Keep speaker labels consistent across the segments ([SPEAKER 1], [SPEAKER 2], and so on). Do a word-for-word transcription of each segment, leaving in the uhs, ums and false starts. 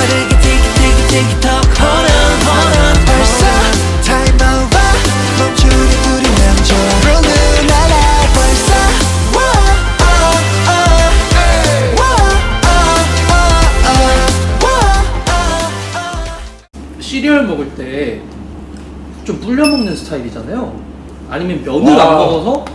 [SPEAKER 1] 빠르게 티키 티키 티키 톡 Hold on hold on 벌써 time over 멈추는 우리 남자 Rolling la la 벌써 Whoa oh oh Whoa oh oh Whoa oh
[SPEAKER 2] 시리얼 먹을 때 좀 불려 먹는 스타일이잖아요. 아니면 면을 안 먹어서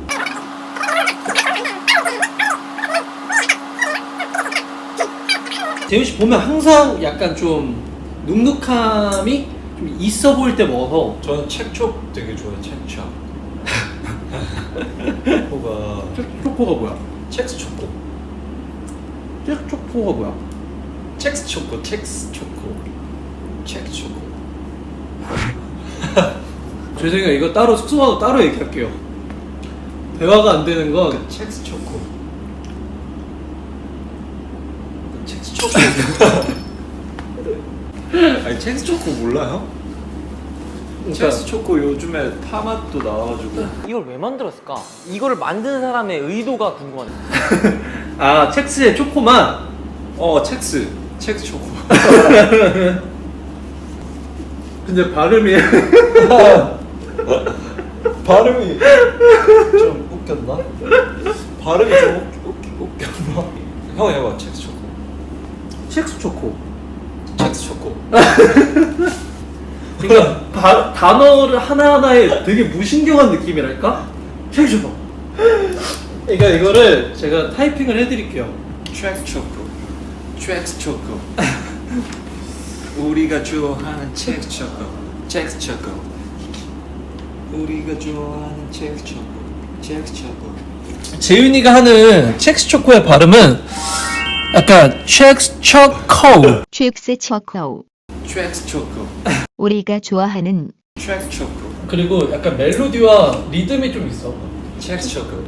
[SPEAKER 2] 재윤 씨 보면 항상 약간 좀 눅눅함이 좀 있어 보일 때 먹어서.
[SPEAKER 3] 저는 첵촉 되게 좋아해요. 첵촉. 초코가
[SPEAKER 2] 초코가 뭐야?
[SPEAKER 3] 첵스 초코.
[SPEAKER 2] 초코가 뭐야?
[SPEAKER 3] 첵스 초코, 첵스 초코, 첵 초코.
[SPEAKER 2] 죄송해요. 이거 따로 숙소 가서 따로 얘기할게요. 대화가 안 되는 건
[SPEAKER 3] 첵스 초코. 첵스 초코. 아니 첵스 초코 몰라요?
[SPEAKER 2] 그러니까
[SPEAKER 3] 첵스 초코 요즘에 파맛도 나와가지고.
[SPEAKER 4] 이걸 왜 만들었을까? 이거를 만든 사람의 의도가 궁금하네.
[SPEAKER 2] 아 첵스의 초코만.
[SPEAKER 3] 어 첵스, 첵스 초코.
[SPEAKER 2] 근데 발음이
[SPEAKER 3] 발음이 좀 웃겼나? 발음이 좀 웃, 웃, 웃겼나? 형 해봐. 첵스 초코.
[SPEAKER 2] 첵스 초코.
[SPEAKER 3] 첵스 초코.
[SPEAKER 2] 그러니까 바, 단어를 하나하나에 되게 무신경한 느낌이랄까? 첵스 초코. 그러니까 이거를 제가 타이핑을 해드릴게요.
[SPEAKER 3] 첵스 초코. 첵스 초코. 우리가 좋아하는 첵스 초코. 첵스 초코. 우리가 좋아하는 첵스 초코. 첵스 초코.
[SPEAKER 2] 재윤이가 하는 첵스 초코의 발음은 약간 첵스 초코.
[SPEAKER 5] 첵스 초코.
[SPEAKER 3] 첵스 초코.
[SPEAKER 5] 우리가 좋아하는
[SPEAKER 3] 첵스 초코.
[SPEAKER 2] 그리고 약간 멜로디와 리듬이 좀 있어.
[SPEAKER 3] 첵스 초코.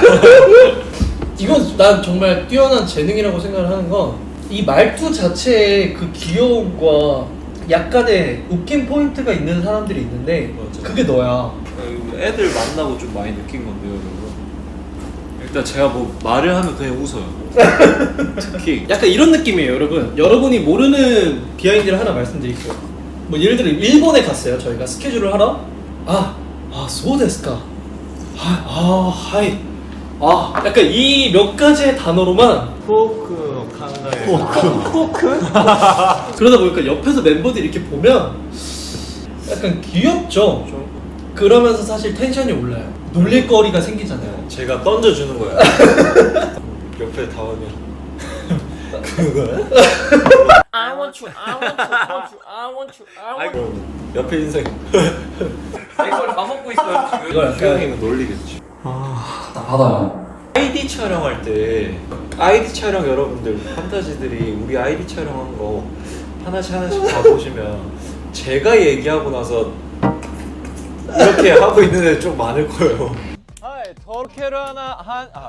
[SPEAKER 2] 이건 난 정말 뛰어난 재능이라고 생각을 하는 건 이 말투 자체의 그 귀여움과 약간의 웃긴 포인트가 있는 사람들이 있는데
[SPEAKER 3] 맞아.
[SPEAKER 2] 그게 너야.
[SPEAKER 3] 애들 만나고 좀 많이 느낀 건데요, 여러분. 일단 제가 뭐 말을 하면 그냥 웃어요. 특히
[SPEAKER 2] 약간 이런 느낌이에요, 여러분. 여러분이 모르는 비하인드를 하나 말씀드릴게요. 뭐 예를 들어 일본에 갔어요. 저희가 스케줄을 하러. 아, 아, 소데스까. 아, 아, 하이. 아, 약간 이 몇 가지의 단어로만
[SPEAKER 3] 포크 칸다에
[SPEAKER 2] 포크? 그러다 보니까 옆에서 멤버들이 이렇게 보면 약간 귀엽죠? 그러면서 사실 텐션이 올라요. 놀릴 거리가 생기잖아요.
[SPEAKER 3] 제가 던져주는 거야. 옆에 다 오면 그거야?
[SPEAKER 4] I want you, I want you, I want you, I want you, I want you.
[SPEAKER 3] 아이고 옆에 인생.
[SPEAKER 4] 이걸 다 먹고 있어요 지금.
[SPEAKER 2] 이거 약간
[SPEAKER 3] 수영이면 놀리겠지.
[SPEAKER 2] 받아요.
[SPEAKER 3] 아이디 촬영할 때 아이디 촬영 여러분들 판타지들이 우리 아이디 촬영한 거 하나씩 하나씩 다 보시면 제가 얘기하고 나서 이렇게 하고 있는 애 좀 많을 거예요.
[SPEAKER 4] 아, 저렇게를 하나 한 아.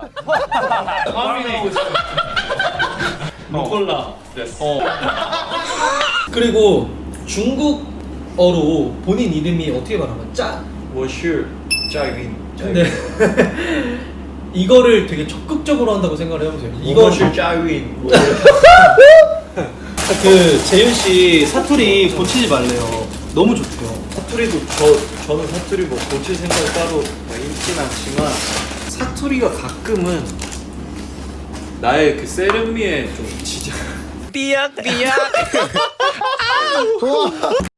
[SPEAKER 2] 루꼴라. 어. 그리고 중국어로 본인 이름이 어떻게 말하면 짜.
[SPEAKER 3] 워슈 짜윈.
[SPEAKER 2] 근데 이거를 되게 적극적으로 한다고 생각을 해보세요. 이거
[SPEAKER 3] 워슈 짜윈.
[SPEAKER 2] 그 재윤 씨 사투리 고치지 말래요. 너무 좋대요.
[SPEAKER 3] 사투리도 저 저는 사투리 뭐 고칠 생각 따로 있진 않지만 사투리가 가끔은 나의 그 세련미에 좀 지장.
[SPEAKER 4] 삐약 삐약.